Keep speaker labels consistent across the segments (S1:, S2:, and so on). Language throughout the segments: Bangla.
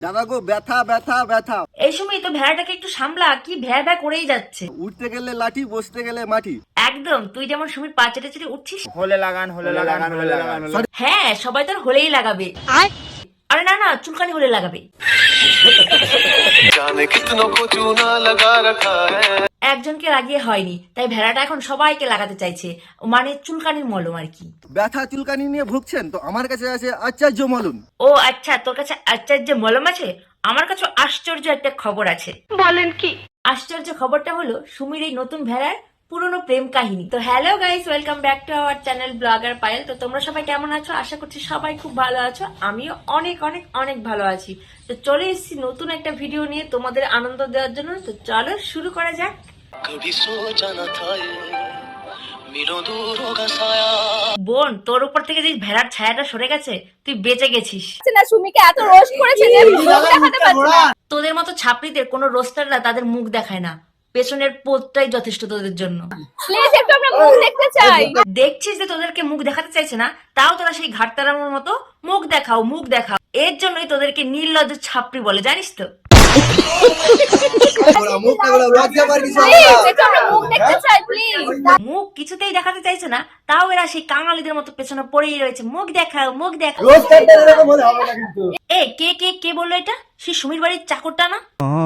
S1: দাদা গো ব্যথা ব্যথা ব্যথা।
S2: এই সময় তো ভেড়াটাকে একটু সামলা, কি ভ্যা ভ্যা করেই যাচ্ছে।
S1: উঠতে গেলে লাঠি, বসতে গেলে মাটি।
S2: একদম তুই যেমন সুমির পা চেটে চেটে উঠছিস।
S3: হলে লাগান হলে লাগান হলে লাগান।
S2: হ্যাঁ, সবাই তোর হলেই লাগাবে। আরে না না, চুলকানি হলে লাগাবে।
S4: जाने कितनों को चूना लगा रखा है।
S2: একজনকে লাগিয়ে হয়নি, তাই ভেড়াটা এখন সবাইকে লাগাতে চাইছে, মানে চুলকানির মলম আর কি।
S1: ব্যথা চুলকানি নিয়ে ভুগছেন তো আমার কাছে আছে আচার্য মলম।
S2: ও আচ্ছা, তোর কাছে আশ্চর্য মলম আছে? আমার কাছে আশ্চর্য একটা খবর আছে। বলেন কি? আশ্চর্য খবরটা হলো সুমির এই নতুন ভেড়ার পুরনো প্রেম কাহিনী। তো hello guys, welcome back to our channel blogger Payel. তো তোমরা সবাই কেমন আছো? আশা করছি সবাই খুব ভালো আছো। আমিও অনেক অনেক অনেক ভালো আছি। তো চলে এসেছি নতুন একটা ভিডিও নিয়ে তোমাদের আনন্দ দেওয়ার জন্য। তো চলো শুরু করা যাক।
S4: कभी सोचा न था ये मीलों दूर होगा साया।
S2: বোন, তোর উপর থেকে যে ভেড়ার ছায়াটা সরে গেছে, তুই বেঁচে গেছিস।
S5: না সুমিকে এত রোস্ট করেছে যে মুখ দেখাতে পারছে না।
S2: তোদের মতো ছাপড়িদের কোনো রোস্টাররা তাদের মুখ দেখায় না, পেছনের পোতটাই যথেষ্ট তোদের জন্য।
S5: প্লিজ একটু আমরা মুখ দেখতে চাই।
S2: দেখছিস যে তোদেরকে মুখ দেখাতে চাইছে না, তাও তোরা সেই ঘাটতারামের মতো মুখ দেখাও মুখ দেখাও। এর জন্যই তোদেরকে নির্লজ্জ ছাপড়ি বলে, জানিস তো?
S5: প্লিজ একটু আমরা মুখ দেখতে চাই প্লিজ।
S2: মুখ কিছুতেই দেখাতে চাইছে না, তাও এরা সেই কাঙালিদের মতো পেছনে পড়েই রয়েছে, মুখ দেখাও মুখ দেখাও। এ কে কে কে বললো এটা? সেই সুমির বাড়ির চাকরটা না?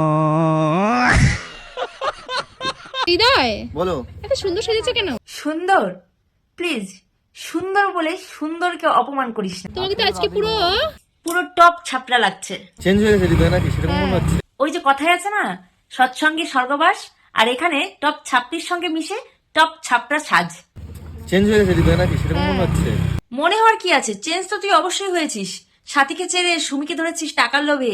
S5: হৃদয়
S1: বলো।
S5: এত সুন্দর সেজেছো কেন?
S2: সুন্দর? প্লিজ, সুন্দর বলে সুন্দরকে অপমান করিস না।
S5: তোমাকে তো আজকে পুরো
S2: পুরো টপ ছাপড়া লাগছে।
S1: চেঞ্জ হয়ে গেছে হৃদয় নাকি সেরকম মনে হচ্ছে।
S2: ওই যে কথায় আছে না, সৎসঙ্গে স্বর্গবাস, আর এখানে টপ ছাপড়ির সঙ্গে মিশে টপ ছাপড়া সাজ।
S1: চেঞ্জ হয়ে গেছে হৃদয় নাকি সেরকম মনে হচ্ছে।
S2: মনে হওয়ার কি আছে, চেঞ্জ তো তুই অবশ্যই হয়েছিস। সাথীকে ছেড়ে সুমিকে ধরেছিস টাকার লোভে।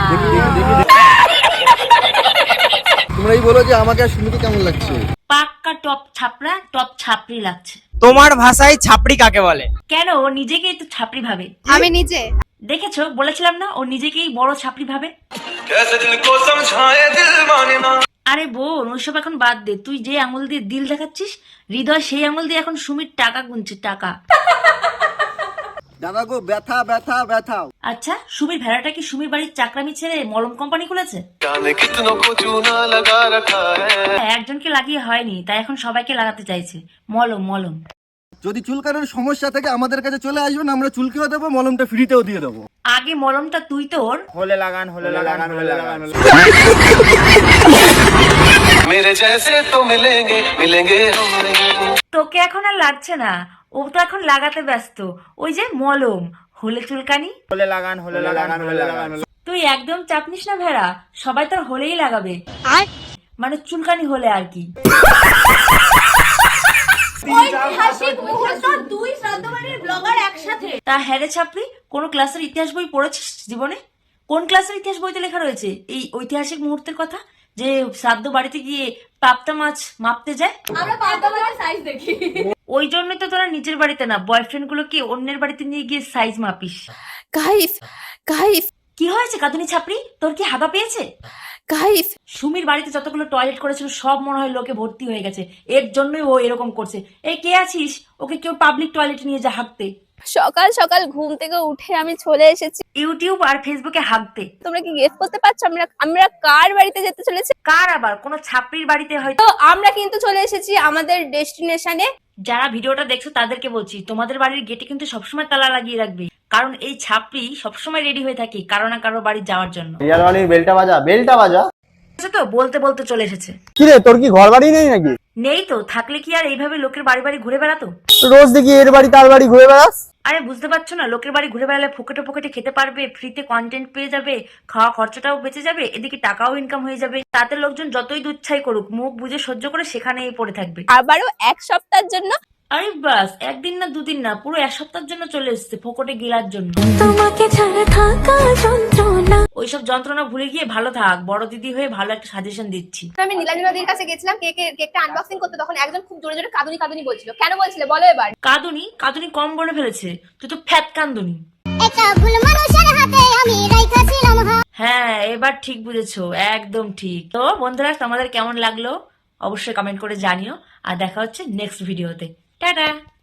S1: তোমরাই বলো যে আমাকে আর সুমিকে কেমন লাগছে।
S2: পাক্কা টপ ছাপড়া, টপ ছাপড়ি লাগছে।
S3: তোমার ভাষায় ছাপড়ি কাকে বলে?
S2: কেন, ও নিজেকেই তো ছাপড়ি ভাবে।
S5: আমি নিজে
S2: দেখেছো, বলেছিলাম না ও নিজেকেই বড় ছাপড়ি ভাবে।
S4: कैसे दिल को समझाए दिल माने ना।
S2: আরে বোন, ওইসব এখন বাদ দে। তুই যে আঙুল দিয়ে দিল দেখাচ্ছিস, হৃদয় সেই আঙুল দিয়ে এখন সুমির টাকা গুনছে, টাকা।
S1: দাদা গো ব্যথা ব্যথা ব্যথা।
S2: আচ্ছা, সুমির ভেড়াটা কি সুমির বাড়ির চাকরামি ছেড়ে মলম কোম্পানি খুলেছে?
S4: जाने कितनों को चूना लगा रखा है।
S2: হ্যাঁ, একজনকে লাগিয়ে হয়নি, তাই এখন সবাইকে লাগাতে চাইছে মলম মলম।
S1: যদি চুলকানোর সমস্যা থেকে আমাদের কাছে চলে আসবেন, আমরা চুলকেও দেবো, মলমটা ফ্রিতেও দিয়ে দেবো।
S2: আগে মলমটা তুই তোর।
S3: হলে লাগান হলে লাগান হলে লাগান।
S4: मेरे जैसे तो मिलेंगे मिलेंगे हम नहीं।
S2: তোকে এখন আর লাগছে না, ও তো এখন লাগাতে ব্যস্ত। ওই যে মলম, হলে চুলকানি।
S3: হলে লাগান হলে লাগান হলে লাগান।
S2: তুই একদম চাপ নিস না ভেড়া, সবাই তোর হলেই লাগাবে, মানে চুলকানি হলে আর কি।
S5: ঐতিহাসিক মুহূর্ত, দুই শ্রাদ্ধবাড়ির ব্লগার একসাথে।
S2: তা হ্যাঁ রে ছাপড়ি, কোন ক্লাসের ইতিহাস বই পড়েছিস জীবনে? কোন ক্লাসের ইতিহাস বইতে লেখা রয়েছে এই ঐতিহাসিক মুহূর্তের কথা, যে শ্রাদ্ধ বাড়িতে গিয়ে পাপ্তা মাছ মাপতে যায়?
S5: আমরা পাঁচটা বাড়ির সাইজ দেখি।
S2: ওই জন্যই তো তোরা নিজের বাড়িতে না, বয়ফ্রেন্ড গুলোকে অন্যের বাড়িতে নিয়ে গিয়ে সাইজ মাপিস।
S5: গাইস গাইস
S2: কি হয়েছে কাতুনি ছাপড়ি, তোর কি হাগা পেয়েছে?
S5: গাইস
S2: সুমির বাড়িতে যতগুলো টয়লেট করেছিল সব মনে হয় লোকে ভর্তি হয়ে গেছে, এর জন্যই ও এরকম করছে। এই কে আছিস, ওকে কেউ পাবলিক টয়লেটে নিয়ে যা হাঁকতে।
S5: সকাল সকাল ঘুম থেকে উঠে আমি চলে এসেছি।
S2: ইউটিউব আর ফেসবুকে হাঁকতে।
S5: তোমরা কি গেস করতে পারছো আমরা আমরা কার বাড়িতে যেতে চলেছি?
S2: কার আবার, কোনো ছাপড়ির বাড়িতে হয়তো।
S5: তো আমরা কিন্তু চলে এসেছি আমাদের ডেস্টিনেশনে।
S2: যারা ভিডিওটা দেখছো তাদেরকে বলছি, তোমাদের বাড়ির গেটে কিন্তু সবসময় তালা লাগিয়ে রাখবে, কারণ এই ছাপড়ি সবসময় রেডি হয়ে থাকে কারো না কারো বাড়ি যাওয়ার জন্য।
S3: রিয়ালওয়ালির বেলটা বাজা বেলটা বাজা।
S2: তো বলতে বলতে চলে এসেছে।
S3: কি রে, তোর কি ঘর বাড়ি নেই নাকি?
S2: নেই তো, থাকলে কি আর এইভাবে লোকের বাড়ি বাড়ি ঘুরে বেড়াতো?
S3: রোজ দেখি এর বাড়ি তার বাড়ি ঘুরে বেড়াস।
S2: আরে বুঝতে পারছো না, লোকের বাড়ি ঘুরে বেড়ালে ফোকেটে ফোকেটে খেতে পারবে, ফ্রিতে কন্টেন্ট পেয়ে যাবে, খাওয়া খরচাটাও বেঁচে যাবে, এদিকে টাকাও ইনকাম হয়ে যাবে। তাতে লোকজন যতই দুচ্ছাই করুক, মুখ বুঝে সহ্য করে সেখানেই পড়ে থাকবে।
S5: আবারও এক সপ্তাহের জন্য।
S2: আরে বাস, একদিন না দুদিন না, পুরো এক সপ্তাহের জন্য চলে এসেছে ফোকটে গেলার জন্য।
S6: তোমাকে ছাড়া থাকা যন্ত্রণা।
S2: ওইসব যন্ত্রণা ভুলে গিয়ে ভালো থাক, বড় দিদি হয়ে ভালো একটা সাজেশন দিচ্ছি।
S5: আমি নীলাঞ্জনাদির কাছে গেছিলাম কেকটা আনবক্সিং করতে, তখন একজন খুব জোরে জোরে কাঁদুনি কাঁদুনি বলছিল। কেন বলছিলে বলো এবার?
S2: কাঁদুনি কাঁদুনি কম বলে ফেলেছে, তুই তো ফ্যাত কান্দুনি। হ্যাঁ, এবার ঠিক বুঝেছো, একদম ঠিক। তো বন্ধুরা, তোমাদের কেমন লাগলো অবশ্যই কমেন্ট করে জানিও, আর দেখা হচ্ছে নেক্সট ভিডিওতে। টাটা।